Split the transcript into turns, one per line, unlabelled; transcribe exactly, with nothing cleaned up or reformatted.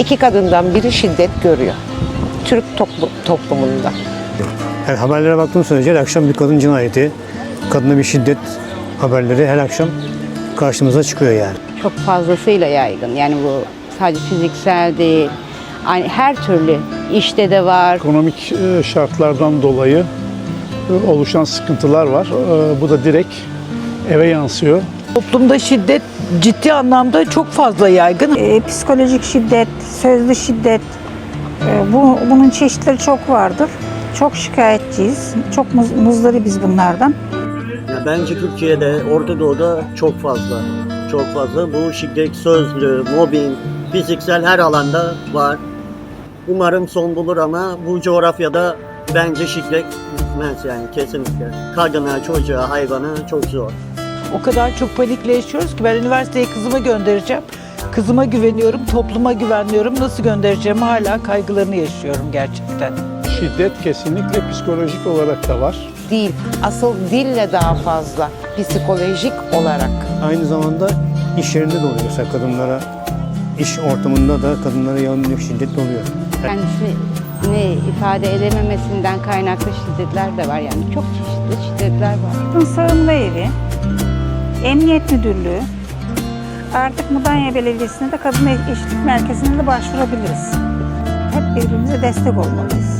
iki kadından biri şiddet görüyor. Türk toplu, toplumunda.
Yani haberlere baktığım sürece her akşam bir kadın cinayeti, kadına bir şiddet haberleri her akşam karşımıza çıkıyor yani.
Çok fazlasıyla yaygın. Yani bu sadece fiziksel değil. Yani her türlü işte de var.
Ekonomik e, şartlardan dolayı e, oluşan sıkıntılar var. E, Bu da direkt eve yansıyor.
Toplumda şiddet ciddi anlamda çok fazla yaygın.
E, psikolojik şiddet, sözlü şiddet, e, bu, bunun çeşitleri çok vardır. Çok şikayetçiyiz, çok muz- muzdaribiz bunlardan.
Ya bence Türkiye'de, Orta Doğu'da çok fazla. Çok fazla. Bu şiddet, sözlü, mobbing, fiziksel her alanda var. Umarım son bulur ama bu coğrafyada bence şiddet bitmez yani kesinlikle. Kadına, çocuğa, hayvana çok zor.
O kadar çok panikle yaşıyoruz ki ben üniversiteye kızımı göndereceğim. Kızıma güveniyorum, topluma güvenmiyorum. Nasıl göndereceğim hala kaygılarını yaşıyorum gerçekten.
Şiddet kesinlikle psikolojik olarak da var.
Değil, asıl dille daha fazla psikolojik olarak.
Aynı zamanda iş yerinde de oluyor. Mesela kadınlara, iş ortamında da kadınlara yönelik şiddet oluyor.
Kendisini ifade edememesinden kaynaklı şiddetler de var. Yani çok çeşitli şiddetler var.
Kadın Sığınma Evi, Emniyet Müdürlüğü, artık Mudanya Belediyesi'ne de Kadın Eşitlik Merkezi'ne de başvurabiliriz. Hep birbirimize destek olmalıyız.